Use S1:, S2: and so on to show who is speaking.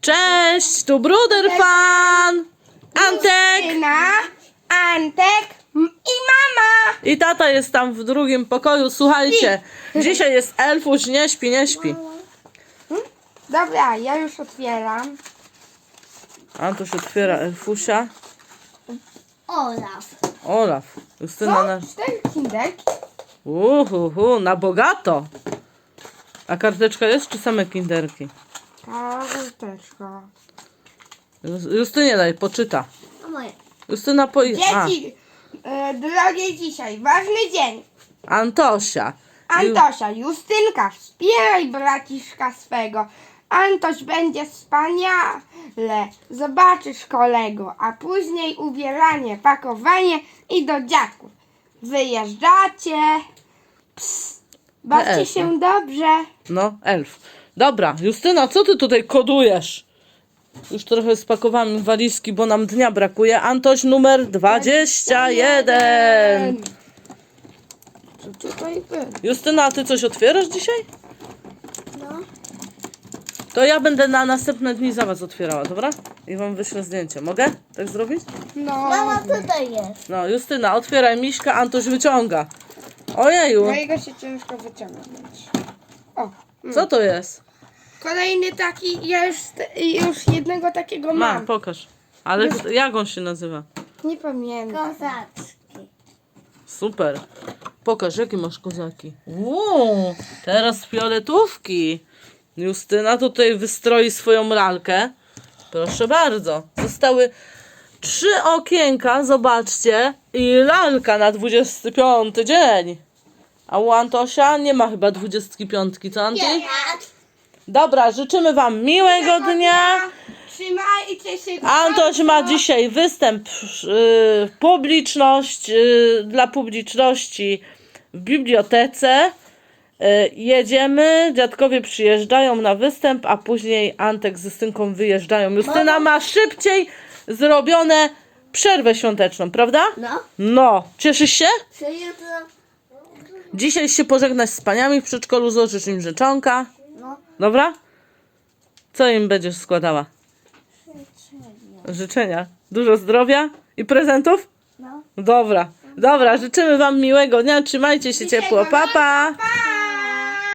S1: Cześć, tu Bruder Fan, Antek
S2: Justyna, Antek i mama.
S1: i tata jest tam w drugim pokoju. Słuchajcie, dzisiaj jest Elfuś, nie śpi, nie śpi.
S2: Dobra, ja już otwieram.
S1: Antoś otwiera Elfusia.
S3: Olaf.
S1: Olaf, Justyna na...
S2: 4 kinderki.
S1: Na bogato. A karteczka jest, czy same kinderki?
S2: Karteczka.
S1: Justynie daj, poczyta.
S3: A moje.
S1: Justyna
S2: Dzieci, drogie dzisiaj, ważny dzień.
S1: Antosia.
S2: Antosia, Justynka, wspieraj braciszka swego. Antoś będzie wspaniale. Zobaczysz kolego, a później ubieranie, pakowanie i do dziadków. Wyjeżdżacie. Bawcie
S1: Elfy.
S2: się dobrze.
S1: No, elf. Dobra, Justyna, co ty tutaj kodujesz? Już trochę spakowałam walizki, bo nam dnia brakuje. Antoś numer 21.
S2: Co tutaj było?
S1: Justyna, a ty coś otwierasz dzisiaj?
S3: No.
S1: To ja będę na następne dni za was otwierała, dobra? I wam wyślę zdjęcie. Mogę tak zrobić?
S2: No,
S3: Mama tutaj jest.
S1: No, Justyna, otwieraj miśka, Antoś wyciąga. Ojeju,
S2: mojego się ciężko wyciągnąć. O,
S1: co to jest?
S2: kolejny taki, ja już jednego takiego
S1: Ma,
S2: mam.
S1: pokaż. Ale jak on się nazywa?
S2: Nie pamiętam.
S3: Kozaczki.
S1: Super. Pokaż, jakie masz kozaki. Teraz fioletówki. Justyna tutaj wystroi swoją lalkę. Proszę bardzo. Zostały 3 okienka, zobaczcie. I lalka na 25 dzień. A u Antosia nie ma chyba 25, co Anty? Dobra, życzymy wam miłego dnia.
S2: Trzymajcie się.
S1: Antoś ma dzisiaj występ dla publiczności w bibliotece. Jedziemy, dziadkowie przyjeżdżają na występ, a później Antek z Justynką wyjeżdżają. Justyna ma szybciej zrobione przerwę świąteczną, prawda?
S3: No.
S1: No, cieszysz się?
S3: Czy jutro?
S1: Dzisiaj się pożegnasz z paniami w przedszkolu, złożysz im życzonka.
S3: No.
S1: Dobra? Co im będziesz składała? Życzenia. Dużo zdrowia i prezentów?
S3: No.
S1: Dobra. Dobra, życzymy wam miłego dnia. Trzymajcie się ciepło. Pa, pa.
S2: Pa!